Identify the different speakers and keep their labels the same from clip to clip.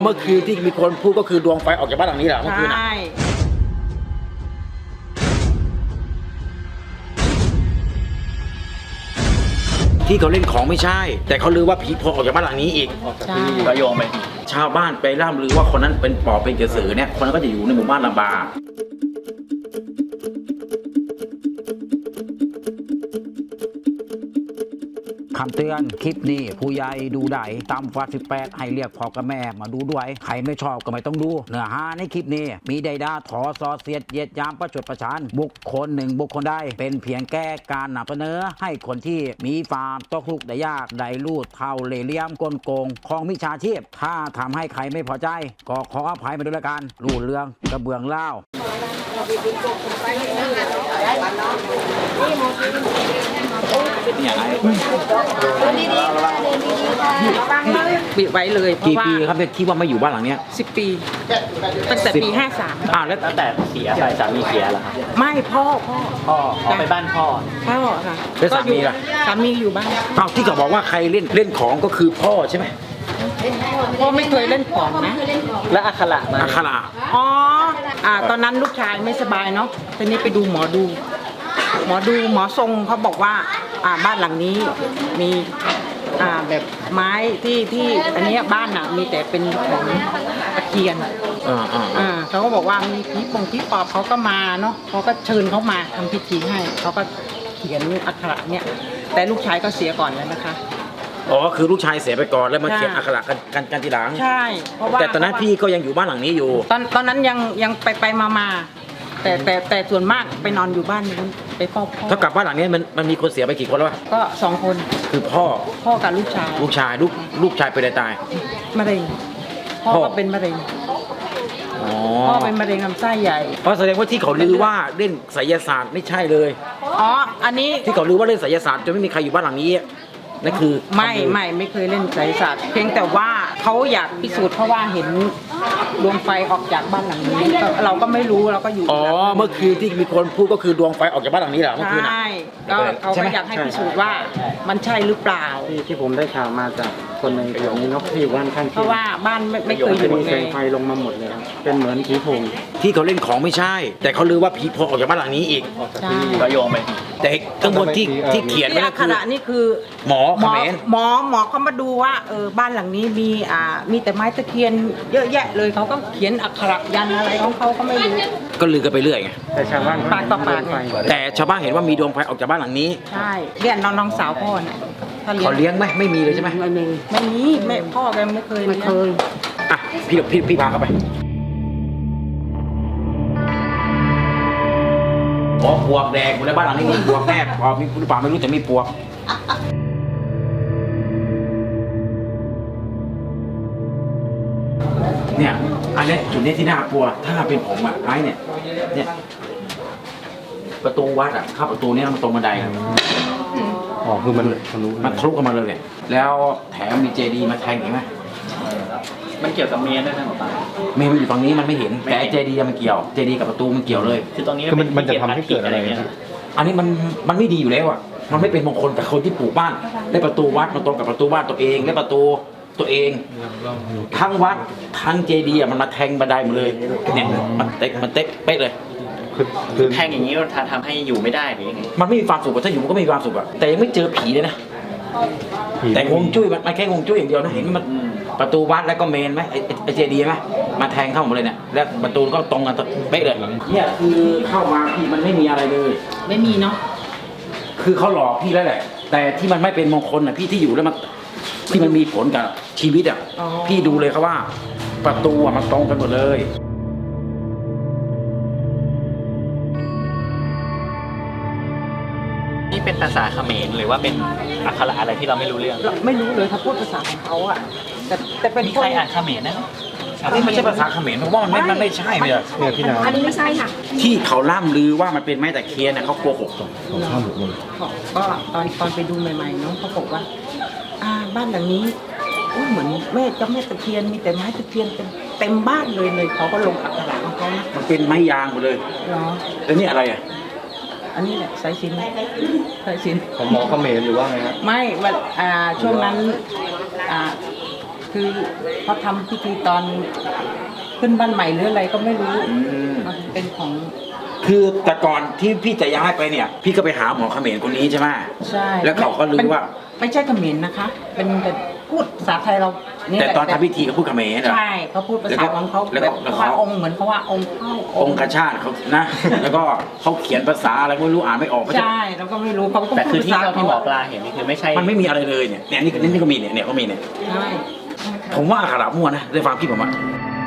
Speaker 1: มื่อคืนที่มีคนพูดก็คือดวงไฟออกจากบ้านหลังนี้เหรอเมื่อคืนน่ะ
Speaker 2: ใช่
Speaker 1: ที่เขาเล่นของไม่ใช่ แต่เขาลือว่าผีโผล่ออกจากบ้านหลังนี้อีก
Speaker 2: ใช่
Speaker 3: ก็โยงไป
Speaker 1: ชาวบ้านไปล่ำลือว่าคนนั้นเป็นปอบเป็นกระสือเนี่ยคนนั้นก็จะอยู่ในหมู่บ้านลำบากคำเตือนคลิปนี้ผู้ใหญ่ดูได้ต่ำกว่า18ให้เรียกพ่อกับแม่มาดูด้วยใครไม่ชอบก็ไม่ต้องดูเนื้อหาในคลิปนี้มีใดด่าถอซอเสียดเหยียดหยามประชดประชันบุคคลหนึ่งบุคคลใดเป็นเพียงแก้การนำเสนอให้คนที่มีความตกทุกข์ได้ยากได้รูดเท่าเหล่เหลี่ยมกลโกงของมิจฉาชีพถ้าทำให้ใครไม่พอใจก็ขออภัยมาด้วยละกันรูดเรื่องกระเบื้องเล่าอย่างไร
Speaker 2: ปิดไว้เลยเพราะ
Speaker 1: กี่
Speaker 2: ว่า
Speaker 1: ปีครับที่ว่าไม่อยู่บ้านหลังเนี้ย
Speaker 2: 10 ปีตั้งแต่ปี 53
Speaker 1: แล้ว
Speaker 3: ตั้งแต่เสียไปสามีเสียแล้วครับ
Speaker 2: ไม่พ่อ
Speaker 3: พ่อไปบ้านพ่อ
Speaker 2: ค่ะ
Speaker 1: แล้วสามีล่ะ
Speaker 2: สามีอยู่บ้าน
Speaker 1: อ้าวที่เขาบอกว่าใครเล่นของก็คือพ่อใช่ไหม
Speaker 2: พ่อไม่เคยเล่นของนะ
Speaker 3: และอัคระมา
Speaker 1: อัครา
Speaker 2: อ๋อตอนนั้นลูกชายไม่สบายเนาะตอนนี้ไปดูหมอหมอทรงเขาบอกว่าบ้านหลังนี้มีแบบไม้ที่อันนี้บ้านน่ะมีแต่เป็นของตะเคียน เขาก็บอกว่ามีผีปอบเขาก็มาเนาะเขาก็เชิญเขามาทำพิธีให้เขาก็เขียนอักขระเนี่ยแต่ลูกชายก็เสียก่อนแล้วนะคะ
Speaker 1: อ๋อคือลูกชายเสียไปก่อนแล้วมาเขียนอักขระกันทีหลัง
Speaker 2: ใช่เพราะว่า
Speaker 1: แต่ตอนนั้นพี่ก็ยังอยู่บ้านหลังนี้อยู่
Speaker 2: ตอนนั้นยังไปมาแต่ส่วนมากไปนอนอยู่บ้านนู้นไปเฝ้าพ่อ
Speaker 1: เท่ากับบ้านหลังนี้มันมีคนเสียไปกี่คนแล้ววะ
Speaker 2: ก็2 คน
Speaker 1: คือพ่อ
Speaker 2: กับลูกชาย
Speaker 1: ลูกชายเป็นอะไรตาย
Speaker 2: มะเร็งพ่อ
Speaker 1: พ่อ
Speaker 2: ก็เป็นมะเร็ง
Speaker 1: อ๋อ
Speaker 2: พ่อเป็นมะเร็งลำไส้ใหญ่
Speaker 1: เพราะแสดงว่าที่เขาลือว่าเล่นไสยศาสตร์ไม่ใช่เลย
Speaker 2: อ๋ออันนี้
Speaker 1: ที่เขาลือว่าเล่นไสยศาสตร์จนไม่มีใครอยู่บ้านหลังนี้นั่นคือ
Speaker 2: ไม่เคยเล่นไสยศาสตร์เพียงแต่ว่าเขาอยากพิสูจน์เพราะว่าเห็นดวงไฟออกจากบ้านหลังนี้เราก็ไม่รู้เราก็อยู่
Speaker 1: อ๋อเมื่อคืนที่มีคนพูดก็คือดวงไฟออกจากบ้านหลังนี้เหรอเมื่อคืนน่ะ
Speaker 2: ใช่ก็เขาก็อยากให้พิสูจน์ว่ามันใช่หรือเปล่า
Speaker 4: ที่ผมได้ข่าวมาจากคนในแถวนี้เนาะที่อยู่บ้านข้าง
Speaker 2: เพ
Speaker 4: เคีย
Speaker 2: ราะ
Speaker 4: ง
Speaker 2: ว่าบ้านไม่เคยอ
Speaker 4: จะ
Speaker 2: ยู่
Speaker 4: มี
Speaker 2: เล
Speaker 4: แสง
Speaker 2: ย
Speaker 4: ไฟลงมาหมดเลยครับเป็นเหมือนผีโพง
Speaker 1: ที่เขาเล่นของไม่ใช่ แต่เขาลือว่าผีโผล่ออกจากบ้านหลังนี้อีก
Speaker 2: ใช่
Speaker 3: ก็โยงไป
Speaker 1: แต่ข้างบนที่เขียนไว้
Speaker 2: ที่อั
Speaker 1: นั่
Speaker 2: ก
Speaker 1: น
Speaker 2: ข
Speaker 1: คือ
Speaker 2: ระนี่คือ
Speaker 1: หมอเขมร
Speaker 2: หมอเขามาดูว่าบ้านหลังนี้มีแต่ไม้ตะเคียนเยอะแยะเลยเขาก็เขียนอักขระยันอะไรของเขาก็ไม่รู้
Speaker 1: ก็ลือกันไปเรื่อยไง
Speaker 4: แต่ชาวบ้าน
Speaker 2: ปากต่อปาก
Speaker 4: ไฟ
Speaker 1: แต่ชาวบ้านเห็นว่ามีดวงไฟออกจากบ้านหลังนี้
Speaker 2: ใช่เรียนน้องสาวพ่อน่ะถ้า
Speaker 1: เขาเลี้ยงไหมไม่มีเลยใช่ไหม
Speaker 2: ไม่มีแม่พ่อแกไม่เคยเลี้ยง
Speaker 1: อ่ะพี่พาเข้าไปอ๋อปวกแดงในบ้านหลังนี้มีปวกแน่พอมีหรือเปล่าไม่รู้แต่มีปวกเนี่ยอันนี้จุดนี้ที่น่ากลัวถ้าเป็นผมอะไอ้เนี่ยประตูวัดอะเข้าประตูนี้มันตรงบันไดอะ
Speaker 4: อ๋อคือมันทะลุ
Speaker 1: มันทะลุเข้ามาเลยเนี่ยแล้วแถมมีเจดีย์มาแทงเห็นไหม
Speaker 3: มันเกี่ยวกับเมียด้วยนะหมอปลา
Speaker 1: เมย์มันอยู่ฝั่งนี้มันไม่เห็นแต่เจดีย์มันเกี่ยวเจดีย์กับประตูมันเกี่ยวเลย
Speaker 3: คือตรงนี้
Speaker 4: คือมันจะทำให้เกิดอะไร
Speaker 3: เงี้ย
Speaker 1: อันนี้มันไม่ดีอยู่แล้วอ่ะมันไม่เป็นมงคลกับคนที่ปลูกบ้านได้ประตูวัดมันตรงกับประตูบ้านตัวเองได้ประตูตัวเองทั้งวัดทั้งเจดีย์มันมาแทงบันไดหมดเลยเนี่ยมันเต๊ะเป๊ะเลย
Speaker 4: คือ
Speaker 3: แทงอย่างนี้มันทำให้อยู่ไม่ได้หรือยังไง
Speaker 1: มันไม่มีความสุขอะถ้าอยู่มันก็ไม่มีความสุขอะแต่ยังไม่เจอผีเลยนะแต่ฮวงจุ้ยมันแค่ฮวงจุ้ยอย่างเดียวนะเห็นมันประตูวัดแล้วก็เมนไหมไอเจดีย์ไหมมาแทงเข้าหมดเลยเนี่ยแล้วประตูก็ตรงกันเป๊ะเลยเนี่ยคือเข้ามาพี่มันไม่มีอะไรเลย
Speaker 2: ไม่มีเนาะ
Speaker 1: คือเขาหลอกพี่แล้วแหละ แต่ที่มันไม่เป็นมงคลอ่ะพี่ที่อยู่แล้วมันที่มันมีผลกับชีวิตอ่ะพี่ดูเลยครับว่า ประตูอ่ะมันตรงกันหมดเลย
Speaker 3: นี่เป็นภาษาเขมรหรือว่าเป็นอักขระอะไรที่เราไม่รู้เรื่อง
Speaker 2: ไม่รู้เลยเขาพูดภาษาของเขาอะแต่เป็น
Speaker 3: มี
Speaker 2: ค
Speaker 3: ใคร
Speaker 2: น
Speaker 3: อ่านเขมรนะ
Speaker 1: อันนี้ไม่ใช่ภาษาเขมรเพราะว่ามันไม่ใช่เลยอะ
Speaker 4: เนี่ยพี่น้
Speaker 5: อันนี้ไม่ใช่ค่ะ
Speaker 1: ที่เขาล่ำลือว่ามันเป็นไม้ตะเคียนน่ะเขาโกหก
Speaker 2: ก็ตอนไปดูใหม่ๆน้องเขาบอกว่าบ้านหลังนี้เหมือนแม่เจ้าแม่ตะเคียนมีแต่ไม้ตะเคียนเต็มบ้านเลยเขาก็ลงอักขระของเขานะ
Speaker 1: มันเป็นไม้ยางหมดเลย
Speaker 2: เนาะ
Speaker 1: แล้วนี่อะไรอ่ะ
Speaker 2: อันนี้แหละสายสิญจน์
Speaker 4: ของหมอเขมรหรือว่าไงครับ
Speaker 2: ไม่วันช่วงนั้นคือเขาทำพิธีตอนขึ้นบ้านใหม่หรืออะไรก็ไม่รู้มันเป็นของ
Speaker 1: คือแต่ก่อนที่พี่จะย้ายไปเนี่ย พี่ก็ไปหาหมอเขมรคนนี้ใช่ไหม
Speaker 2: ใช่
Speaker 1: แล้วเขาก็รู้ว่า
Speaker 2: ไม่ใช่เขมรนะคะ เป็นพูดภาษาไทยเราเนี่ย
Speaker 1: แต่ตอนทำพิธีเขาพูดเขมรเหรอ
Speaker 2: ใช่เขาพูดภาษาของเขา
Speaker 1: แล้ว
Speaker 2: แบ
Speaker 1: ก็
Speaker 2: บ
Speaker 1: แล้วก็
Speaker 2: ว่าองค์เหมือนเขาว่าองค์เข้า
Speaker 1: องค์กชาติเขานะ แล้วก็เขาเขียนภาษาอะไรไม่รู้อ่านไม่ออก
Speaker 2: ใช่เราก็ไม่รู้เขาก็
Speaker 3: แต่
Speaker 2: พู
Speaker 3: คื
Speaker 2: ด
Speaker 3: อที่
Speaker 2: ภาษา
Speaker 3: เท่าที่หมอปลาเห็นนี่คือไม่ใช่
Speaker 1: มันไม่มีอะไรเลยเนี่ยนี่ก็มีเนี่ยก็มีเนี่ย
Speaker 2: ใช่
Speaker 1: ผมว่าอักขระมั่วนะด้วยความคิดผมอะ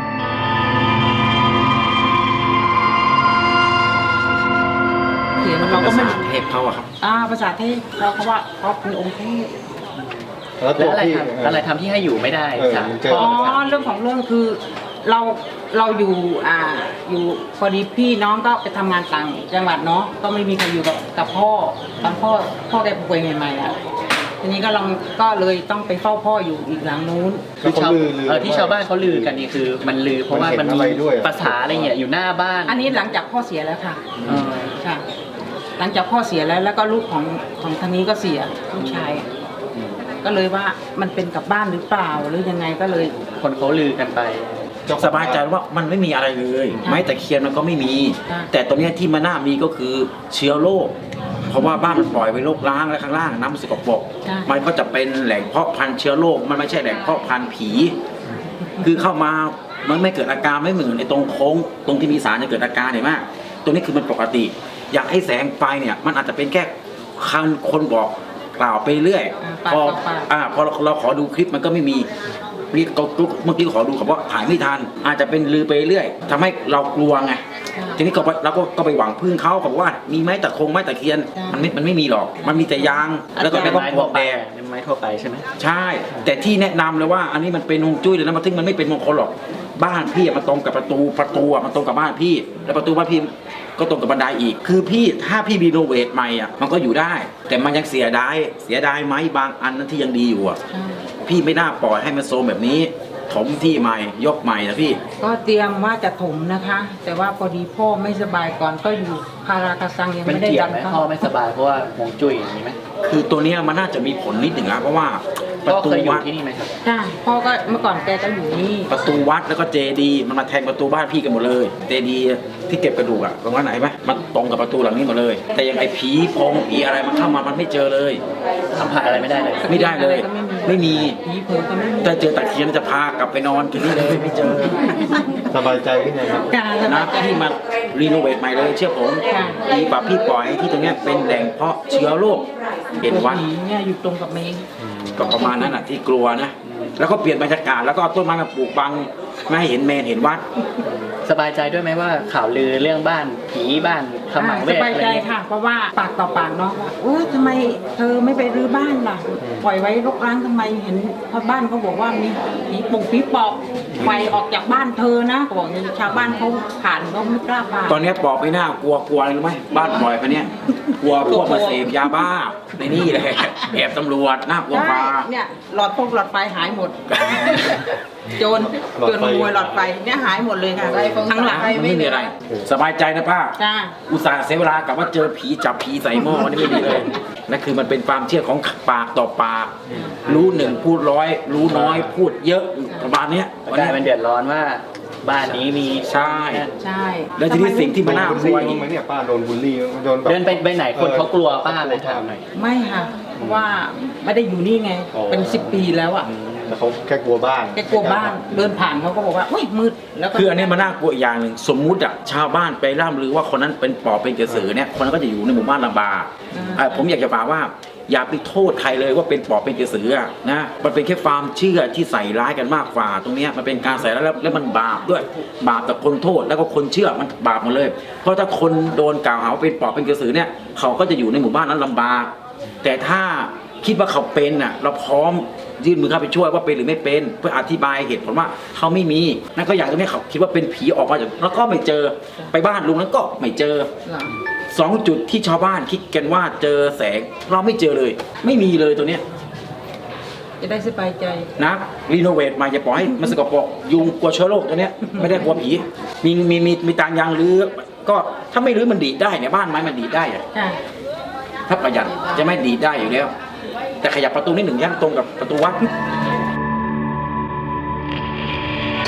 Speaker 2: เขียนเราก็ไม่
Speaker 1: ภาษาเทพเขาอะครับ
Speaker 2: ภาษาเทพเราเขาว่าเขาเป็นองค์เทพ
Speaker 4: แล้วตั
Speaker 3: แล้ว วอะไร
Speaker 4: พี่
Speaker 3: ทำอะไรทำที่ให้อยู่ไม่ได้
Speaker 4: เออ
Speaker 3: จาก
Speaker 4: มันเจอ
Speaker 2: อ๋อเรื่องของเรื่องคือเราอยู่อยู่พอดีพี่น้องก็ไปทำงานต่างจังหวัดเนาะก็ไม่มีใครอยู่กับพ่อตอนพ่อแกป่วยใหม่ๆอ่ะทีนี้ก็เลยต้องไปเฝ้าพ่ออยู่อีกหลังนู้น
Speaker 3: คือชาว
Speaker 4: แล้วเขาลือ
Speaker 3: ที่ชาวบ้านเขาลือกันนี่คือมันลือเพราะว่ามัน
Speaker 4: มันเห็นอะไร
Speaker 3: มี
Speaker 4: ด้วย
Speaker 3: ภาษาอะไรเงี้ยอยู่หน้าบ้าน
Speaker 2: อันนี้หลังจากพ่อเสียแล้วค่ะ
Speaker 3: เออ
Speaker 2: ค่ะ หลังจากพ่อเสียแล้วก็ลูกของทางนี้ก็เสียลูกชายก็เลยว่ามันเป็นกับบ้านหรือเปล่าหรือยังไงก็เลย
Speaker 3: คนเขาลือกันไป
Speaker 1: สบายใจว่ามันไม่มีอะไรเลย
Speaker 2: ค่ะ
Speaker 1: ไม้ตะเคียนมันก็ไม่มี
Speaker 2: ค่ะ
Speaker 1: แต่ตัวเนี้ยที่มันน่ามีก็คือเชื้อโรคเพราะว่าบ้านมันปล่อยไปโรคล้างและข้างล่างน้ำมันสกปรก
Speaker 2: ค่ะ
Speaker 1: มันก็จะเป็นแหล่งเพาะพันธุ์เชื้อโรคมันไม่ใช่แหล่งเพาะพันธุ์ผี คือเข้ามามันไม่เกิดอาการไม่เหมือนในตรงโค้งตรงที่มีสารจะเกิดอาการเห็นไหมตรงนี้คือมันปกติ อยากให้แสงไฟเนี่ยมันอาจจะเป็นแค่คนบอกกล่าวไปเรื่อย
Speaker 2: ปาก
Speaker 1: พอ
Speaker 2: ต่อปาก
Speaker 1: พอเราขอดูคลิปมันก็ไม่มีนี่ก็เมื่อกี้ขอดูเขาบอกถ่ายไม่ทันอาจจะเป็นลือไปเรื่อยทำให้เรากลัวไงทีนี้เราก็ไปหวังพึ่งเขาบอกว่ามีไม้ตะคงไม้ตะเคียนมันไม่มีหรอกมันมีแต่ยางแล้วก็
Speaker 3: เป็น
Speaker 1: ป
Speaker 3: ไม้
Speaker 1: ล
Speaker 3: ทั่
Speaker 1: อ
Speaker 3: ว
Speaker 1: ก
Speaker 3: ไป
Speaker 1: แดด
Speaker 3: เป็นไม้ทั่วไปใช่ไหม
Speaker 1: ใช่ แต่ที่แนะนำเลยว่าอันนี้มันเป็นฮวงจุ้ยเลยนะมันถึงมันไม่เป็นมงคลหรอกบ้านพี่อะมันตรงกับประตูอะมันตรงกับบ้านพี่ แล้วประตูบ้านพี่ก็ตรงกับบันไดอีก คือพี่ถ้าพี่รีโนเวทใหม่อ่ะมันก็อยู่ได้ แต่มันยังเสียดายไหมบางอันนั้นที่ยังดีอยู่อ่ะ
Speaker 2: ใช่
Speaker 1: พี่ไม่น่าปล่อยให้มันโซมแบบนี้ ถมที่ใหม่ยกใหม่นะพี่
Speaker 2: ก็เตรียมว่าจะถมนะคะ แต่ว่าพอดีพ่อไม่สบายก่อนก็อยู่คาราคาซังยัง
Speaker 3: มัน
Speaker 2: ไม่ได้
Speaker 3: เกี่ย
Speaker 2: ดั
Speaker 3: วน ไหม
Speaker 2: เข้า
Speaker 3: พ่อไม่สบายเพราะว่าฮวงจุ้ยอย่างนี้ไหม
Speaker 1: คือตัวเนี้ยมันน่าจะมีผลนิดหนึ่งนะเพราะว่าป
Speaker 3: พ่
Speaker 1: ระ
Speaker 3: อ
Speaker 1: ตู
Speaker 3: เคยอยู่
Speaker 1: วัด
Speaker 3: ที่นี่ไหมครับ
Speaker 2: ใช่พ่อก็เมื่อก่อนแกก็อยู่นี่
Speaker 1: ประตูวัดแล้วก็เจดีย์มันมาแทงประตูบ้านพี่กันหมดเลยเจดีย์ที่เก็บกระดูกอะตรงนั้นไหนไหมมันตรงกับประตูหลังนี้หมดเลย แต่ยังไอ้ผีโพงผีอะไรมันเข้ามามันไม่เจอเลย
Speaker 3: สัมผัสอะไรไม่ได้เลย
Speaker 1: ไม่ได้เลย ไม่มี
Speaker 2: ผีเผลอก็ไม่มี
Speaker 1: ถ้าเจอตะเคียนจะพากลับไปนอนที่นี่เลยไม่เจอ
Speaker 4: สบายใจขึ้นยังครับ
Speaker 2: การส
Speaker 1: นะ
Speaker 2: บายใจ
Speaker 1: พี่มารีโนเวทใหม่เลยเชื่อผม
Speaker 2: ค่ะ
Speaker 1: ดีกว่าพี่ปล่อยให้ที่ตรงเนี้ยเป็นแหล่งเพาะเชื้อโรคเห็นวัด
Speaker 2: ผีเนี่ยอยู่ตรงกับเมง
Speaker 1: ก็ประมาณนั้นอ่ะที่กลัวนะ แล้วก็เปลี่ยนบรรยากาศแล้วก็เอาต้นไม้มาปลูกบังไม่ให้เห็นเมนเห็นวัด
Speaker 3: สบายใจด้วยไหมว่าข่าวลือเรื่องบ้านผีบ้านขมังเว
Speaker 2: ส
Speaker 3: ท
Speaker 2: บาย
Speaker 3: อะไร
Speaker 2: ใจ
Speaker 3: เงี้ย
Speaker 2: ค่ะ เพราะว่าปากต่อปากเนาะว่าทำไมเธอไม่ไปรื้อบ้านล่ะ ปล่อยไว้รกร้างทำไมเห็นชาวบ้านเขาบอกว่ามีผีปุ่งผีปอบไฟออกจากบ้านเธอนะเขาบอกอย่างนี้ชาวบ้านเขาผ่านเขาไม่กล้าผ่าน
Speaker 1: ตอนเนี้ยปอบไม่น่ากลัวอะไรรู้ไหมบ้านปล่อยไปเนี่ยกลัวพวกมาเสพยาบ้าในนี่เลยแอบตำรวจน่ากลัว
Speaker 2: ใช่
Speaker 1: ฟ้า
Speaker 2: เนี่ยหลอดไฟหายหมด โจรขโมยหลอดไฟเนี่ยหายหมดเลยค่ะทั้งหลัง
Speaker 1: มันไม่มีอะไร สบายใจนะป้า
Speaker 2: จ้า
Speaker 1: อุตส่าห์เสียเวลากับว่าเจอผีจับผีใส่หม้อนี่ไม่มีเลยนั่นคือมันเป็นความเชื่อของปากต่อปาก รู้หนึ่งพูดร้อย รู้น้อยพูดเยอะประมาณเนี้ย
Speaker 3: กลายเป็นเดือดร้อนว่าบ้านนี้มี
Speaker 1: ใช่
Speaker 2: ใช่
Speaker 1: แล้วทีนี้สิ่งที่มันน่ากลัว
Speaker 4: โดนบูลลี่
Speaker 1: อีก
Speaker 4: บ้างไหมเนี่ยป้าโดนบูลลี่โดนแบบ
Speaker 3: เดินไปไหนคนเขากลัวป้าไหมถามหน่อย
Speaker 2: ไม่ค่ะเพราะว่าไม่ได้อยู่นี่ไง เป็น10 ปีแล้วอ่ะ
Speaker 4: แต่เขาแค่กลัวบ้าน
Speaker 2: แกกลัวบ้านเดินผ่านเขาก็บอกว่าอุ้ยมืดแล้วก็
Speaker 1: คืออันนี้มันน่ากลัวอีกอย่างหนึ่งสมมุติอะชาวบ้านไปร่ำลือว่าคนนั้นเป็นปอบเป็นกระสือเนี่ยคนนั้นก็จะอยู่ในหมู่บ้านลำบากผมอยากจะฝากว่า อย่าไปโทษใครเลยว่าเป็นปอบเป็นกระสืออะนะมันเป็นแค่ความเชื่อที่ใส่ร้ายกันมากกว่าตรงเนี้ยมันเป็นการใส่ร้ายแล้วมันบาปด้วยบาปต่อคนโทษแล้วก็คนเชื่อมันบาปหมดเลย เพราะถ้าคนโดนกล่าวหาว่าเป็นปอบเป็นกระสือเนี่ยเขาก็จะอยู่ในหมู่บ้านนั้นลำบาก แต่ถ้าคิดว่าเขาเป็นน่ะเราพร้อมยื่นมือเข้าไปช่วยว่าเป็นหรือไม่เป็นเพื่ออธิบายเหตุผลว่าเขาไม่มีนั่นก็อย่างตรงนี้เขาคิดว่าเป็นผีออกมาจากแล้วก็ไม่เจอไปบ้านลุงนั้นก็ไม่เจอ
Speaker 2: เหรอ
Speaker 1: 2 จุดที่ชาวบ้านคิดกันว่าเจอแสงเราไม่เจอเลย ไม่มีเลยตัวเนี้ย
Speaker 2: จะได้สบายใจ
Speaker 1: นะรีโนเวทมาอย่าปล่อยให้มันสกปรกยุงกลัวเชื้อโรคตัวเนี้ยไม่ได้กลัวผีมีตางยางรื้อก็ถ้าไม่รื้อมันดีดได้เนี่ยบ้านไม้มันดีดได้อะ
Speaker 2: ค่ะ
Speaker 1: ถ้าประหยัดจะไม่ดีดได้อยู่แล้ว แต่ขยับประตูนิดหนึ่งย่างตรงกับประตูวัด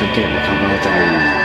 Speaker 5: สังเกตไหมครับว่าจะมี